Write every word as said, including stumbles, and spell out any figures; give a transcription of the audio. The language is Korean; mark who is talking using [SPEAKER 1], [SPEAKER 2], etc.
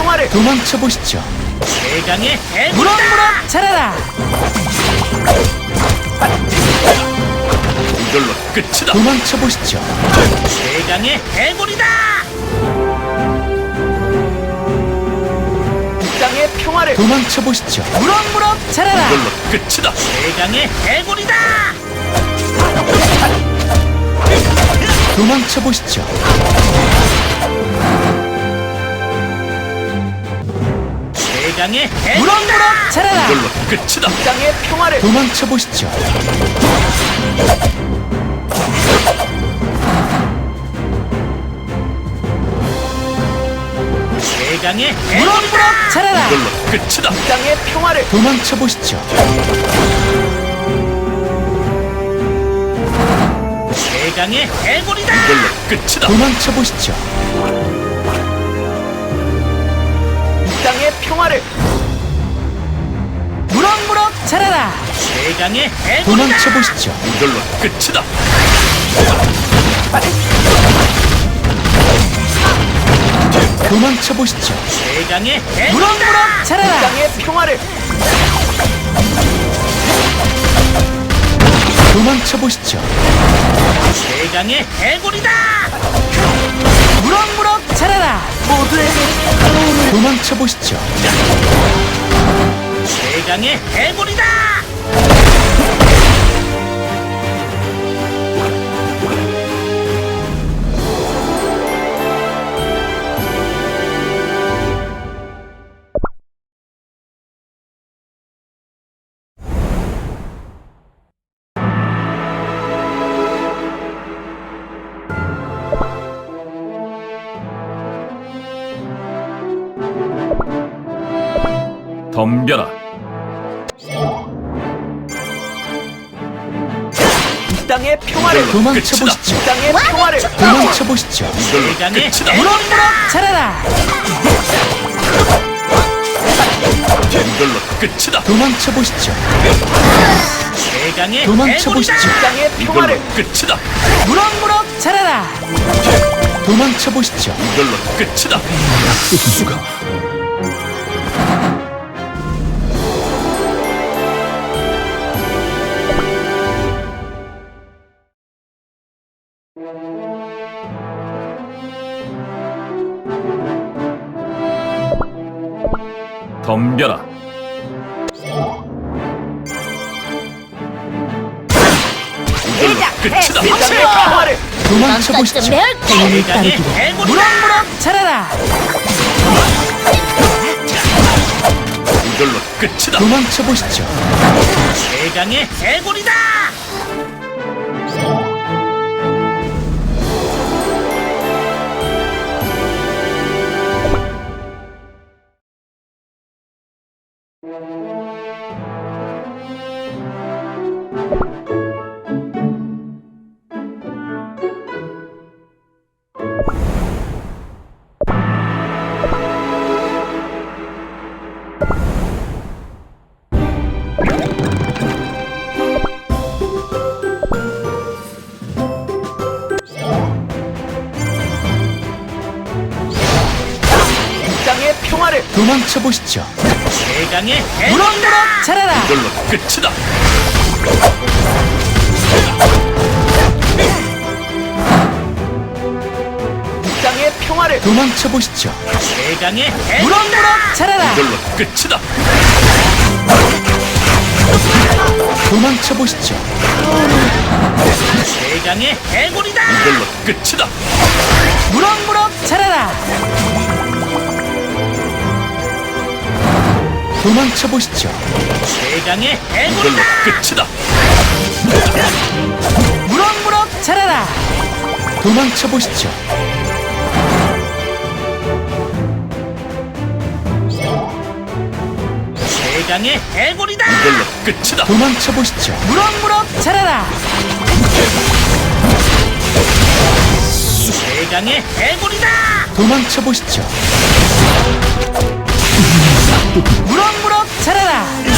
[SPEAKER 1] 평화를
[SPEAKER 2] 도망쳐 보시죠.
[SPEAKER 3] 최강의 해골이다.
[SPEAKER 4] 무럭무럭 자라라.
[SPEAKER 3] 이걸로 끝이다.
[SPEAKER 2] 도망쳐 보시죠.
[SPEAKER 3] 최강의 해골이다.
[SPEAKER 1] 땅의 평화를
[SPEAKER 2] 도망쳐 보시죠.
[SPEAKER 4] 무럭무럭 자라라.
[SPEAKER 3] 이걸로 끝이다. 최강의 해골이다.
[SPEAKER 2] 도망쳐 보시죠.
[SPEAKER 3] 최강의 해골이다.
[SPEAKER 4] 무럭무럭 자라라.
[SPEAKER 3] 이걸로 끝이다.
[SPEAKER 1] 땅의 평화를
[SPEAKER 2] 도망쳐 보시죠.
[SPEAKER 3] 최강의 해골이다.
[SPEAKER 4] 무럭무럭 자라라.
[SPEAKER 3] 이걸로 끝이다.
[SPEAKER 1] 땅의 평화를
[SPEAKER 2] 도망쳐 보시죠.
[SPEAKER 3] 최강의 해골이다. 이걸로 끝이다.
[SPEAKER 2] 도망쳐 보시죠.
[SPEAKER 1] 땅의 평화를
[SPEAKER 4] 무럭무럭 자라라.
[SPEAKER 3] 최강의 해골이다.
[SPEAKER 2] 도망쳐 보시죠.
[SPEAKER 3] 이걸로 끝이다.
[SPEAKER 2] 도망쳐 보시죠.
[SPEAKER 3] 최강의 해골이다.
[SPEAKER 4] 무럭무럭 자라라.
[SPEAKER 1] 땅의 평화를
[SPEAKER 2] 도망쳐 보시죠.
[SPEAKER 3] 최강의 해골이다.
[SPEAKER 4] 무럭무럭 자라라.
[SPEAKER 2] 도망쳐 보시죠.
[SPEAKER 3] 최강의 해골이다. 덤벼라.
[SPEAKER 1] 땅의 평화를
[SPEAKER 2] 도망쳐 보시죠.
[SPEAKER 1] 땅의 평화를
[SPEAKER 2] 도망쳐 보시죠.
[SPEAKER 3] 최강의 끝이다. 해골이다.
[SPEAKER 4] 자라라.
[SPEAKER 3] 이걸로 끝이다.
[SPEAKER 2] 도망쳐 보시죠.
[SPEAKER 3] 최강의
[SPEAKER 2] 도망쳐
[SPEAKER 3] 해골이다.
[SPEAKER 2] 보시죠.
[SPEAKER 1] 땅의
[SPEAKER 3] 이걸로
[SPEAKER 1] 평화를
[SPEAKER 3] 끝이다.
[SPEAKER 4] 무럭무럭 자라라.
[SPEAKER 2] 도망쳐 보시죠.
[SPEAKER 3] 이걸로 끝이다. 수가. 덤벼라. 이걸로 끝이다.
[SPEAKER 1] 땅의 평화를
[SPEAKER 2] 도망쳐 보시죠.
[SPEAKER 3] 최강의 해골이다.
[SPEAKER 4] 무럭무럭 자라라.
[SPEAKER 3] 이걸로 끝이다.
[SPEAKER 2] 도망쳐 보시죠.
[SPEAKER 3] 최강의 해골이다.
[SPEAKER 1] 땅의 평화를
[SPEAKER 2] 도망쳐 보시죠.
[SPEAKER 3] 최강의 해골이다.
[SPEAKER 4] 무럭무럭 자라라.
[SPEAKER 3] 이걸로 끝이다.
[SPEAKER 1] 땅의 평화를
[SPEAKER 2] 도망쳐 보시죠.
[SPEAKER 3] 최강의 해골이다.
[SPEAKER 4] 무럭무럭 자라라.
[SPEAKER 3] 이걸로 끝이다.
[SPEAKER 2] 도망쳐 보시죠.
[SPEAKER 3] 최강의 해골이다. 이걸로 끝이다.
[SPEAKER 4] 무럭무럭 자라라.
[SPEAKER 2] 도망쳐 보시죠.
[SPEAKER 3] 최강의
[SPEAKER 2] 이걸로
[SPEAKER 3] 해골이다.
[SPEAKER 2] 끝이다.
[SPEAKER 4] 무럭무럭 자라라.
[SPEAKER 2] 도망쳐 보시죠.
[SPEAKER 3] 최강의 해골이다.
[SPEAKER 2] 이걸로 끝이다. 도망쳐 보시죠.
[SPEAKER 4] 무럭무럭 자라라.
[SPEAKER 3] 최강의 해골이다.
[SPEAKER 2] 도망쳐 보시죠.
[SPEAKER 4] 무럭무럭 자라라.